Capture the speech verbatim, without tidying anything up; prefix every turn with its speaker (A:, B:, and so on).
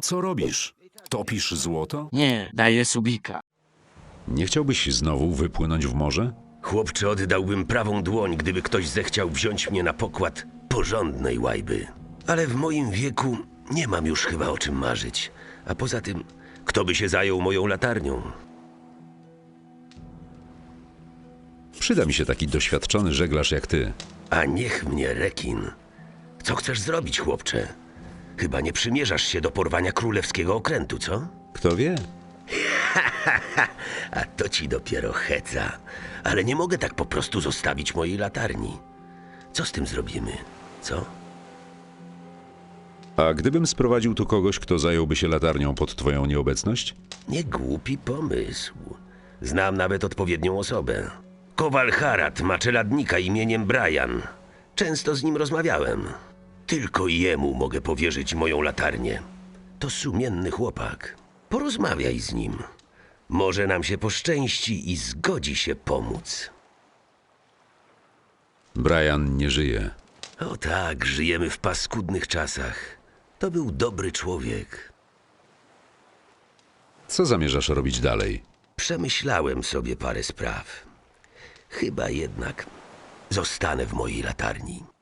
A: Co robisz? Topisz złoto?
B: Nie, daję subika.
A: Nie chciałbyś znowu wypłynąć w morze?
C: Chłopcze, oddałbym prawą dłoń, gdyby ktoś zechciał wziąć mnie na pokład porządnej łajby. Ale w moim wieku nie mam już chyba o czym marzyć. A poza tym, kto by się zajął moją latarnią?
A: Przyda mi się taki doświadczony żeglarz jak ty.
C: A niech mnie rekin. Co chcesz zrobić, chłopcze? Chyba nie przymierzasz się do porwania królewskiego okrętu, co?
A: Kto wie?
C: A to ci dopiero heca. Ale nie mogę tak po prostu zostawić mojej latarni. Co z tym zrobimy, co?
A: A gdybym sprowadził tu kogoś, kto zająłby się latarnią pod twoją nieobecność?
C: Nie głupi pomysł. Znam nawet odpowiednią osobę. Kowal Harad ma czeladnika imieniem Brian. Często z nim rozmawiałem. Tylko jemu mogę powierzyć moją latarnię. To sumienny chłopak. Porozmawiaj z nim. Może nam się poszczęści i zgodzi się pomóc.
A: Brian nie żyje.
C: O tak, żyjemy w paskudnych czasach. To był dobry człowiek.
A: Co zamierzasz robić dalej?
C: Przemyślałem sobie parę spraw. Chyba jednak zostanę w mojej latarni.